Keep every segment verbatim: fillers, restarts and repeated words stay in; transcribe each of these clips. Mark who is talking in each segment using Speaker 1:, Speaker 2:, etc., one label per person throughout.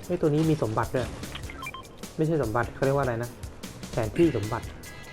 Speaker 1: ไอ้ตัวนี้มีสมบัติด้วยไม่ใช่สมบัติเขาเรียกว่าอะไรนะแผนที่สมบัติ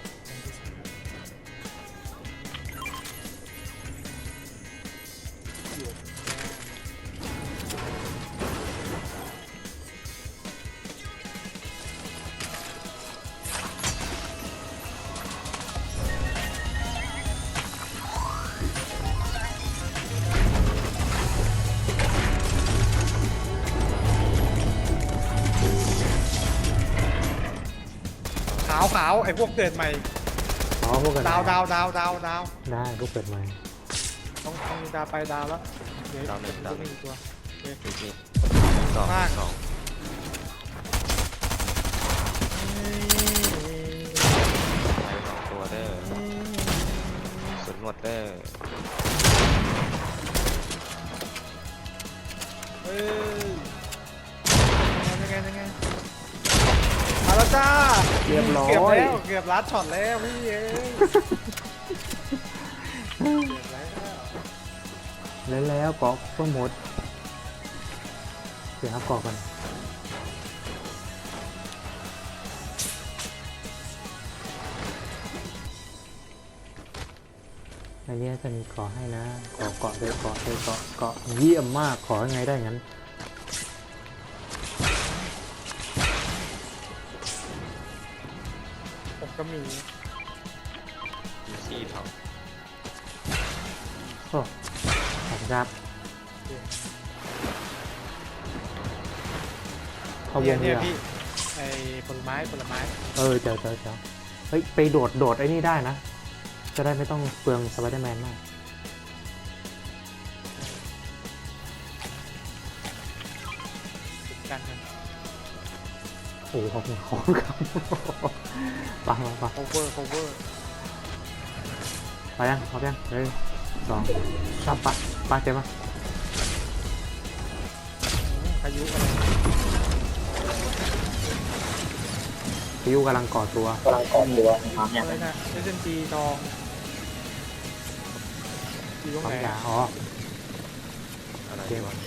Speaker 2: ขาวขาวไอ้พวกเกิดใหม่
Speaker 1: อ๋อพวกกัน
Speaker 2: ดาวดาวดาวดาวดาว
Speaker 1: ได้พวกเปิดใหม่
Speaker 2: ต้องต้องมีดาวไปดาวแล้วเดี๋ยว
Speaker 3: ดาวหนึ่งดาวหนึ่ง
Speaker 2: ตัว
Speaker 3: อีกนี่สอง
Speaker 2: มาก
Speaker 3: สองไปสองตัวเด้อสุดหมดเด้อ
Speaker 2: เฮ้ยยังไงยังไงมาแล้วจ้า
Speaker 1: เรียบร้อ
Speaker 2: เกือบ
Speaker 1: ย
Speaker 2: แล้วเกือบลัดช็อตแล้วพี่เอ้ยเกือบแล้ว
Speaker 1: แล้วแล้วเกาะก็หมดเดี๋ยวครับเกาะกันอันนี้จะมีเกาะให้นะเกาะเกาะเลยเกาะเลยเกาะเกาะเยี่ยมมากขอยังไงได้งั้น
Speaker 2: ผมก็มี
Speaker 3: มีซี่ทอง
Speaker 1: โอ้ขอบคุณครับเขาว
Speaker 2: เนี่ย
Speaker 1: ง
Speaker 2: เนี่
Speaker 1: เนี่ย ย
Speaker 2: พี่ไอ้ผลไม้ผลไม้
Speaker 1: เออเจ้าเจ้าเจ้าเฮ้ยไปโดดโดดไอ้นี่ได้นะจะได้ไม่ต้องเปลืองสไปเดอร์แมนมาก
Speaker 2: กันกัน
Speaker 1: โอ้โหขอบคุณขอบคุณครับไปไปไป
Speaker 2: cover cover
Speaker 1: ไปยังพร้อมยังหนึ่งสองสามไปไปเต็มมา
Speaker 2: พายุอะไร
Speaker 1: พายุกำลังก่อตัว
Speaker 4: กำลังก้มอยู่อะน้ำเนี่ย
Speaker 2: อะไรนะเอเจนจีทองอยู่ตรง
Speaker 1: ความ
Speaker 2: ไหน
Speaker 1: ยาอ๋อ
Speaker 3: อะไร
Speaker 1: เกม
Speaker 3: วะ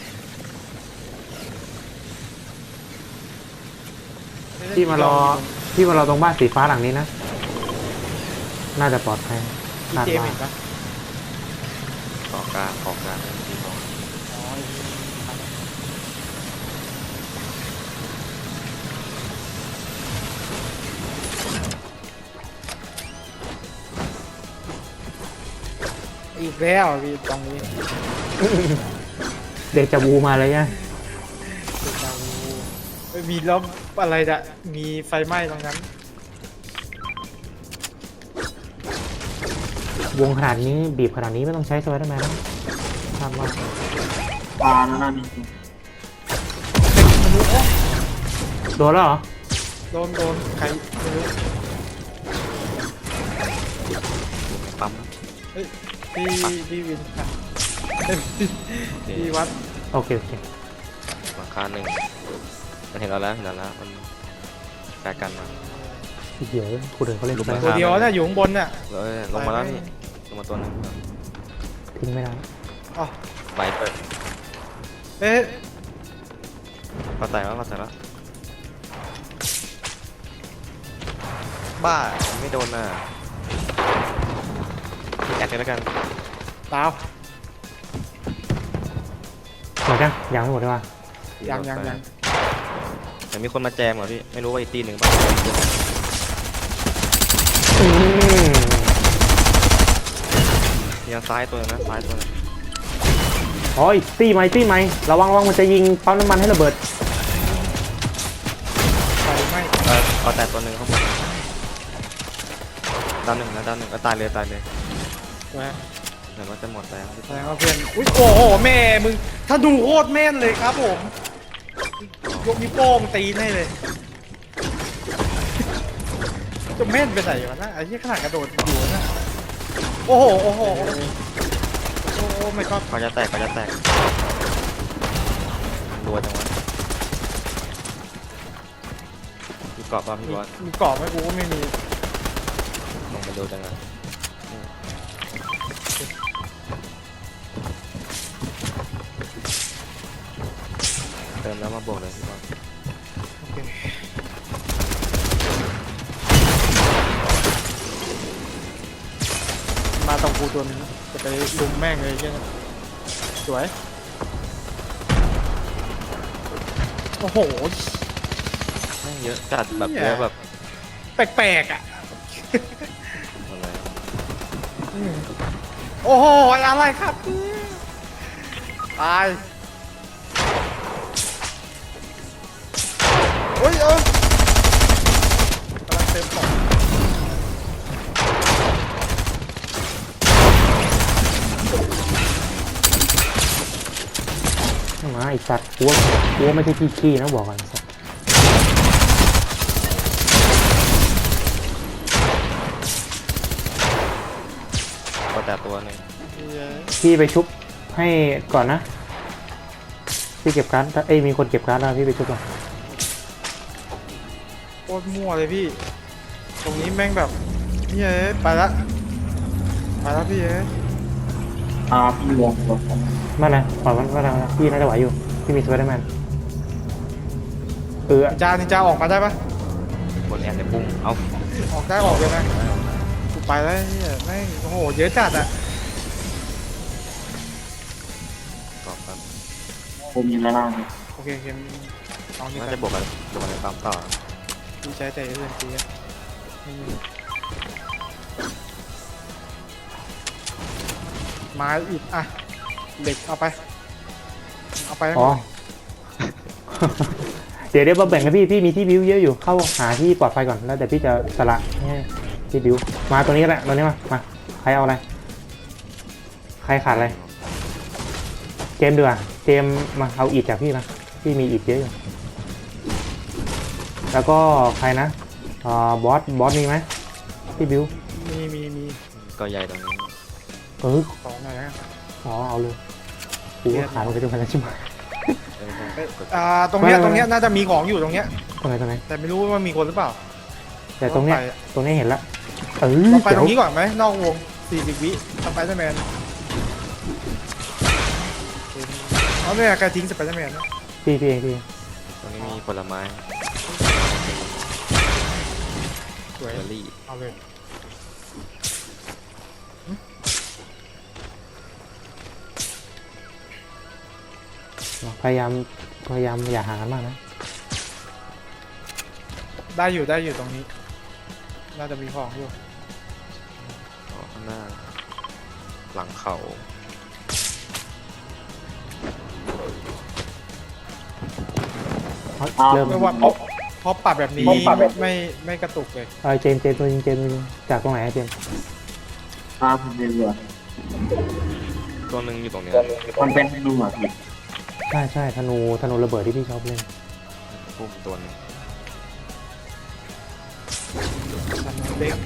Speaker 1: ที่มารอที่มารอตรงบ้านสีฟ้าหลังนี้นะน่าจะปลอดภัย
Speaker 2: มี
Speaker 1: คาด
Speaker 2: เกม
Speaker 1: ว่า
Speaker 2: เห็นปะ
Speaker 3: เกาะกลางเกาะกลางนั่นซี่ทอง
Speaker 2: อ๋ออีกแล้วพี่ตรงนี้
Speaker 1: เดจาวูมาเลยเนี่ย
Speaker 2: เราเอ้ยมีล้มอะไรจะมีไฟไหม้ตรงนั้น
Speaker 1: วงขนาดนี้บีบขนาดนี้ไม่ต้องใช้สไปเดอร์แมนนะคาดว่า
Speaker 4: ปลาแล้วน่ามีจริง
Speaker 1: โดนแล้วเหรอ
Speaker 2: โดนโดนใครไม่รู้
Speaker 3: ปั๊ม
Speaker 2: เฮ้ยพี่พี่วินค่ะเอ้ยพี่พี่วัด
Speaker 1: โอเคโอเค
Speaker 3: หลังคาหนึ่งมันเห็นเราแล้วเห็นเราแล้วมันแปลกันมา
Speaker 1: เดี๋ยวคนอื่นเขาเล่น
Speaker 3: ลุก
Speaker 1: ไป
Speaker 3: มา
Speaker 2: ตัวเดียวน่ะอยู่ข้างบนน่ะ
Speaker 3: เลยลงมาแล้วนี่ลงมาตัวหนึง
Speaker 1: ทิ้งไม่ได้
Speaker 2: อ๋อ
Speaker 3: ไฟเปิด
Speaker 2: เอ๊ะ
Speaker 3: ก็แตกแล้วก็แตกแล้วบ้าไม่โดนน่ะแอดกันแล้วกัน
Speaker 2: ดาว
Speaker 1: หมดยังยังไม่หมดเลยว่ะ
Speaker 2: ยังยังยัง
Speaker 3: แต่มีคนมาแจมเหรอพี่ไม่รู้ว่าอีกตีหนึ่งบ้าง
Speaker 1: อืม
Speaker 3: มีทางซ้ายตัวหนึงนะซ้ายตัวหนึง
Speaker 1: โอ้ยตีไหมตีไหมระวังระวังมันจะยิงปั๊มน้ำมันให้ระเบิด
Speaker 2: ไฟไหม้
Speaker 3: เออเอาแต่ตัวหนึ่งข้างบนดาวหนึ่งนะดาวหนึ่งก็ตายเลยตายเลย
Speaker 2: นะ
Speaker 3: เดี๋ยวมันจะหมดแล้ว
Speaker 2: แสดงว่าเพื่อนอุ้ยโอ้โหแม่มึงถ้าดูโคตรแม่นเลยครับผมยกนิ้วโป้งตีนให้เลยจะแม่นไปไหนวะนะไอ้ที่ขนาดกระโดดอยู่นะโอ้โหโอ้โหโอ้โหโอ้โหไม่ก็
Speaker 3: เขาจะแตกเขาจะแตกรัวจังวะมีเกาะป่ะพี่
Speaker 2: มี
Speaker 3: บอส
Speaker 2: มีกรอบไหมกูก็ไม่มี
Speaker 3: ลงมาดูจังเลยเติมแล้วมาบวกเลยพี่บอส
Speaker 2: เคมาตรงกูตัวนึงจะไปลุมแม่งเลยใช่ไหมสวยโอ้โห
Speaker 3: แม่งเยอะจัดแบบเยอะแบบ
Speaker 2: แปลกๆอ่ะ
Speaker 3: อะไร
Speaker 2: อืมโอ้โหอะไรครับตายโอ้ยเออกำลังเต็มปอด
Speaker 1: มาไอสัตว์กูว่ากูว่าไม่ใช่ขี้ขี้นะบอกก่อนสัตว์
Speaker 3: ก็แต่ตัวหนึ่ง
Speaker 1: พี่ไปชุบให้ก่อนนะพี่เก็บการ์ดเอ้ยมีคนเก็บการ์ดแล้วพี่ไปชุบก่อน
Speaker 2: โคตรมั่วเลยพี่ ตรงนี้แม่งแบบนี่เอ้ยไปละไปละพี่เอ้ย
Speaker 4: อ่าพี่วงรถผม
Speaker 1: มานะปล่อยมันมานะพี่น่าจะไหวอยู่พี่มีสไปเดอร์แมนเออ
Speaker 2: นินจานินจาออกมาได้ปะ
Speaker 3: บนแอนในปุ่มเอา
Speaker 2: ออกได้ออกเลยนะกูไปแล้วเนี่ยแม่งโอ้โหเยอะจัดอ่ะ
Speaker 3: กรอบครับ
Speaker 4: ผมอยู่ด้านล่าง
Speaker 2: โอเคโอเคเอานี่
Speaker 3: น่า
Speaker 2: ไป
Speaker 3: จะบวกกันบวกกันในปั๊มต่อ
Speaker 2: พี่ใช้แต่เรื่องทีอะไม่มีไม้อิดอ่ะเหล็กเอาไปเอาไปให้หม
Speaker 1: อ๋อ
Speaker 2: ด
Speaker 1: เดี๋ยวเดี๋ยวมาแบ่งกันพี่พี่มีที่บิวเยอะอยู่เข้าหาที่ปลอดภัยก่อนแล้วเดี๋ยวพี่จะสละให้ที่บิวมาตัวนี้ก็ได้ตัวนี้มามาใครเอาอะไรใครขาดอะไรเจมส์ดีกว่าเจมส์มาเอาอิฐจากพี่มาพี่มีอิฐเยอะอยู่แล้วก็ใครนะอ่าบอสบอสมีไหมที่บิว
Speaker 2: มีมีมี
Speaker 3: ก็ใหญ่ตรงนี้
Speaker 1: เออ
Speaker 2: สองหน่อยนะ
Speaker 1: อ๋อเอาเลยกูก็ขาดมันไปตรงนั้นแล้วใช่ไหม
Speaker 3: เอ้ยไม่
Speaker 2: เอ้ย
Speaker 3: ใช่กด
Speaker 2: อ่าตรงเนี้ย
Speaker 1: ไม่ไม่
Speaker 2: ตรงเนี้ยน่าจะมีของอยู่ตรงเนี้ย
Speaker 1: ตรงไหนตรงไหน
Speaker 2: แต่ไม่รู้ว่ามีคนหรือเปล่า
Speaker 1: แต่ตรงเนี้ย
Speaker 2: ไป
Speaker 1: ตรงนี้เห็นละเออ
Speaker 2: เราไปต
Speaker 1: เดี๋
Speaker 2: ร
Speaker 1: ยว
Speaker 2: งนี้ก่อนไหมนอกวงสี่สิบวิสไปเดอร์แมนเอาเนี่ยใครทิ้งสไปเดอร์แมนนะ
Speaker 1: พี่พี่เองพี่
Speaker 3: ตรงนี้มีผลไม้
Speaker 2: สวย
Speaker 3: เบอร์รี่
Speaker 2: เอาเลย
Speaker 1: พยายามพยายามอย่าหากันมากนะ
Speaker 2: ได้อยู่ได้อยู่ตรงนี้ น่าจะมีของอยู่
Speaker 3: อ๋อข้างหน้า หลังเขา
Speaker 1: เริ่ม
Speaker 2: ไม่ว่าเพราะเพราะปรับแบบนี้ไม่ไม่กระตุกเลย
Speaker 1: เออเจมส์เจมส์ตัวจริงเจมส์ตัวจริงจากตรงไหนอะเจมส์
Speaker 4: อ่าผมเป็นเรือ
Speaker 3: ตัวหนึ่งอยู่ตรงนี้
Speaker 4: มันเป็นดูอ่ะพี่
Speaker 1: ใช่ใช่ธนูธนูระเบิดที่พี่ชอบเล่น
Speaker 3: ปุ่มตัวหนึง
Speaker 2: มันเล็ก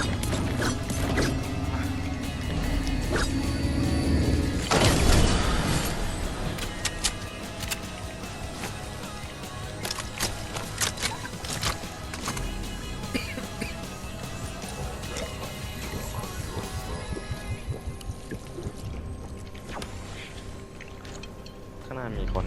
Speaker 3: ข้างหน้ามีคน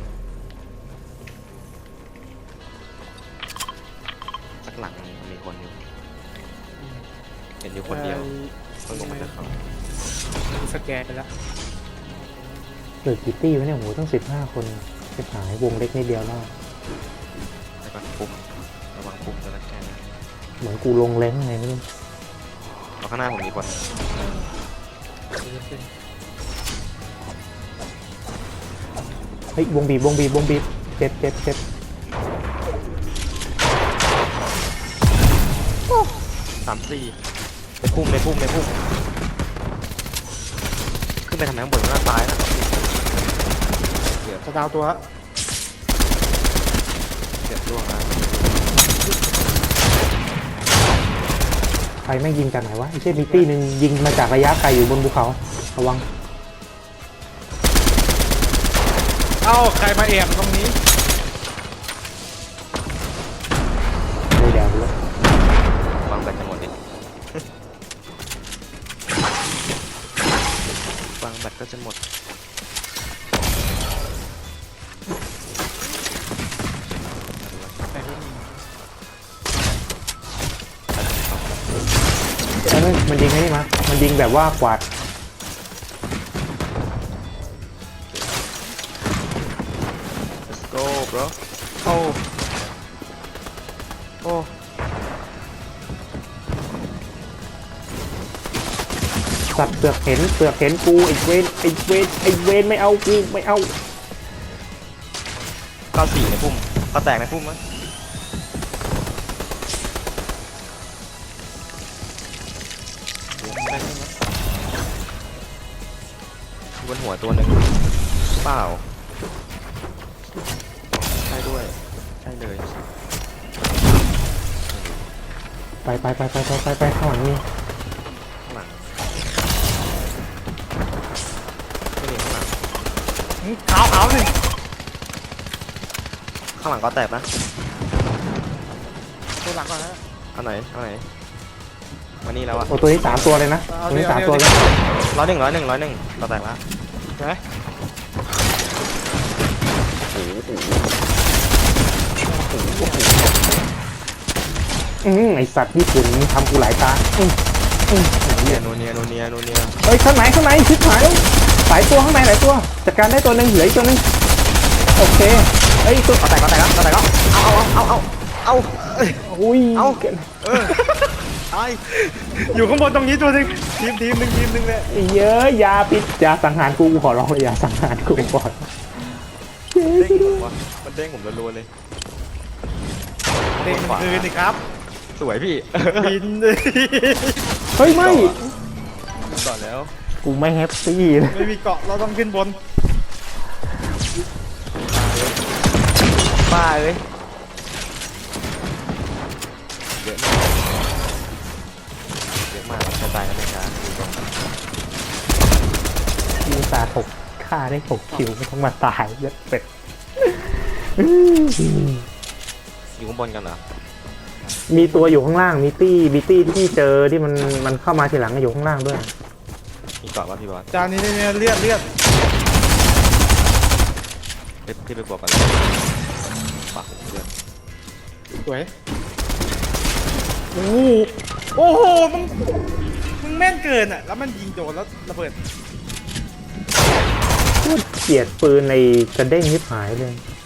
Speaker 3: สักหลังหนึ่งมีคนอยู่ เห็นอยู่คนเดียวเพิ่งลงมาจากเขา
Speaker 2: สแกนไปแล้ว
Speaker 1: เหลือกี่ตี้วะเนี่ยโหตั้งสิบห้าคนจะหายวงเล็กนิดเดียวแล้ว
Speaker 3: แล้วก็ปุ่มระวังปุ่มจะรักแกนะ
Speaker 1: เหมือนกูลงเล้งไงไม่รู้
Speaker 3: เอาข้างหน้าผมมีคน
Speaker 1: เฮ้ยวงบีบวงบีบวงบีบเจ็บเจ็บเจ็บ
Speaker 3: สามสี่ในพุ่มในพุ่มในพุ่มขึ้นไปทำไมข้างบนหน้าตายนะเกือบ
Speaker 2: จะดาวตัว
Speaker 3: เกือบร่วงแล้ว
Speaker 1: ใครไม่งยิงจากไหนวะไอ้เช่นมีตี้หนึ่งยิงมาจากระยะไกลอยู่บนภูเขาระวัง
Speaker 2: เอ้าใครมาแอบตรงนี้
Speaker 1: เลยแดงเลย
Speaker 3: วางแบตจะหมดดิวางแบตก็จะหมด
Speaker 2: แต่ก็มี
Speaker 1: ฮ้ยมันยิงไอ้นี่มามันยิงแบบว่ากวาด
Speaker 3: let's go bro
Speaker 2: โอ้
Speaker 3: โอ้
Speaker 1: สัตว์เปลือกเห็นเปลือกเห็นกูไอ้เวนไอ้เวนไอ้เวนไม่เอากูไม่เอา
Speaker 3: เก้าสี่ในพุ่มก็แตกในพุ่มมั้ยบนหัวตัวหนึ่งเปล่าใช่ด้วยใช่เลย
Speaker 1: ไปไปไปไปไปไปไปข้างหลังนี่
Speaker 3: ข้างหลังไม่มีข้างหลัง
Speaker 2: ขาวขาวหนึ่ง
Speaker 3: ข้างหลังก็แตกนะ
Speaker 2: ตัวหลังก่อนนะ
Speaker 3: เอาไหนเอาไหนมานี่แล้วอะ
Speaker 1: โอ้ตัวนี้สามตัวเลยนะตัวนี้สามตัวเลย
Speaker 3: ร้อยหนึ่งร้อยหนึ่งร้อยหนึ่งก็แตกละ
Speaker 2: ใช่ไหม
Speaker 1: อืมไอสัตว์ญี่ปุ่นมึงทำกูหลายตาอืมอืม
Speaker 3: เนียโนเนียโนเนียโนเนีย
Speaker 1: เฮ้ยข้างไหนข้างในชิบหายแล้วหลายตัวข้างในหลายตัวจัดการได้ตัวหนึ่งเหลืออีกตัวหนึ่งโอเคเฮ้ยตัว
Speaker 3: ก็แตกก็แตกแล้วก็แตกแล้วเอาเอาเอาเอาเอา
Speaker 1: อุ้ย
Speaker 3: เอา เออตาย
Speaker 2: อยู่ข้างบนตรงนี้ตัวหนึงทีมทีมหนึ่งทีมหนึ่งเลย
Speaker 1: เยอะยาปิดยาสังหารกูกูขอร้องเลยยาสังหารกูก่อน
Speaker 3: เด้งผมวะมันเด้งผมรัวๆเลย
Speaker 2: เด้งคืนนี่ครับ
Speaker 3: สวยพี่
Speaker 2: บินเลย
Speaker 1: เฮ้ยไม่
Speaker 3: ก่อนแล้ว
Speaker 1: กูไม่แฮปปี้เลย
Speaker 2: ไม่มีเกาะเราต้องขึ้นบน
Speaker 3: บ้าเลยเยอะมากเยอะมากกระจายกันเลยนะดูตรง
Speaker 1: มีตาหกฆ่าได้หกคิวไม่ต้องมาตายเยอะเป็ด
Speaker 3: อยู่ข้างบนกันเหรอ
Speaker 1: มีตัวอยู่ข้างล่างมีตี้มีตี้ที่เจอที่มันมันเข้ามาทีหลังอยู่ข้างล่างด้วย
Speaker 3: มีเกาะป่ะพี่บอส
Speaker 2: จานนี้เนี่ยเลือดเลือด
Speaker 3: ไปพี่ไปบวกกันเลยปากเดือด
Speaker 2: สวยโอ้โหโอ้โหมึงมึงแม่นเกินอ่ะแล้วมันยิงโดนแล้วระเบิด
Speaker 1: เกลียดปืนในกระเด้งยิบหายเลย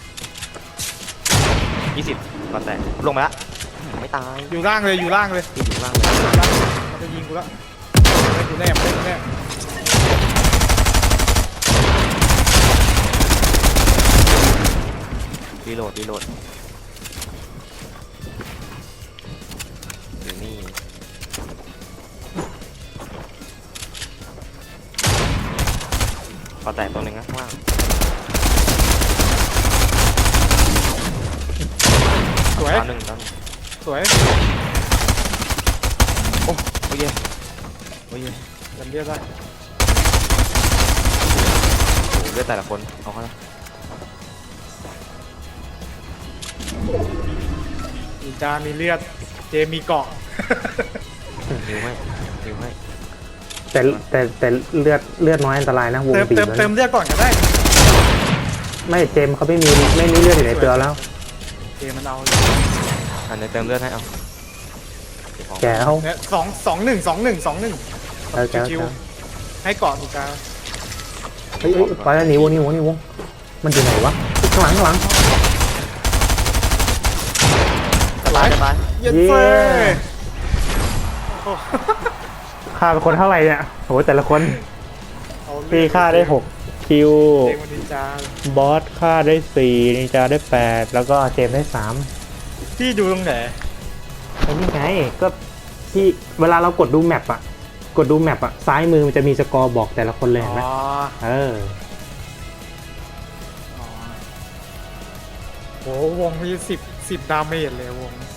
Speaker 3: ยี่สิบก็แตกลงมาละไม่ตาย
Speaker 2: อยู่ล่างเลยอยู่ล่างเลย
Speaker 3: พี่อยู่ข้างล่างเลย
Speaker 2: มันจะยิงกูแล้วไม่กูแน่ไม่กูแน่
Speaker 3: รีโหลดรีโหลดอยู่นี่ก็แตกตัวหนึ่งนะข้างล่าง
Speaker 2: สวย
Speaker 3: ดาวหนึ่งดาวหนึ่ง
Speaker 2: สวย
Speaker 3: โอ้โอ้ยโอ้ย
Speaker 2: จำเรียกได้
Speaker 3: โอ้เลือดแต่ละคนเอาเข้าละ
Speaker 2: มีจานมีเลือดเจมีเกาะ
Speaker 3: หิวให้หิวให้
Speaker 1: แต่แต่แต่เลือดเลือดน้อยอันตรายนะวง
Speaker 2: เติม
Speaker 1: บีบ
Speaker 2: เติม
Speaker 1: แล้ว
Speaker 2: เติม
Speaker 1: นะ
Speaker 2: เลือดก่อนก็ได้
Speaker 1: ไม่เจมส์เขาไม่มีไม่มีเลือดอยู่ในตัวแล้ว
Speaker 2: เจมันเอา
Speaker 3: อันนี้เติมเลือดให้เอาเก็บของ
Speaker 1: แกเขา
Speaker 2: เนี่ยสองสองหนึ่งสองหนึ่งสองหนึ่ง
Speaker 1: เออแกเขา
Speaker 2: ชิวๆให้เกาะถูกกลาง
Speaker 1: เฮ้ยเฮ้ยไปแล้วหนีวงหนีวงหนีวงมันอยู่ไหนวะข้างหลังข้างหลัง
Speaker 3: จะตายจะตาย
Speaker 2: เย็นเฟ้ย
Speaker 1: ฆ่าเป็นคนเท่าไหร่เนี่ยโหแต่ละคน
Speaker 2: เอาเลือ
Speaker 1: พี่ฆ่าได้หกคิว
Speaker 2: เจมันนินจา
Speaker 1: บอสฆ่าได้สี่นินจาได้แปดแล้วก็เจมส์ได้สาม
Speaker 2: พี่ดูตรงไหน
Speaker 1: ไอ้นี่ไงก็ที่เวลาเรากดดูแมปอะกดดูแมปอะซ้ายมือมันจะมีสกอร์บอกแต่ละคนเลยเห็นไหม
Speaker 2: อ๋อ
Speaker 1: เออ
Speaker 2: อ๋อโหวงมีสิบสิบดาเมจเลยวง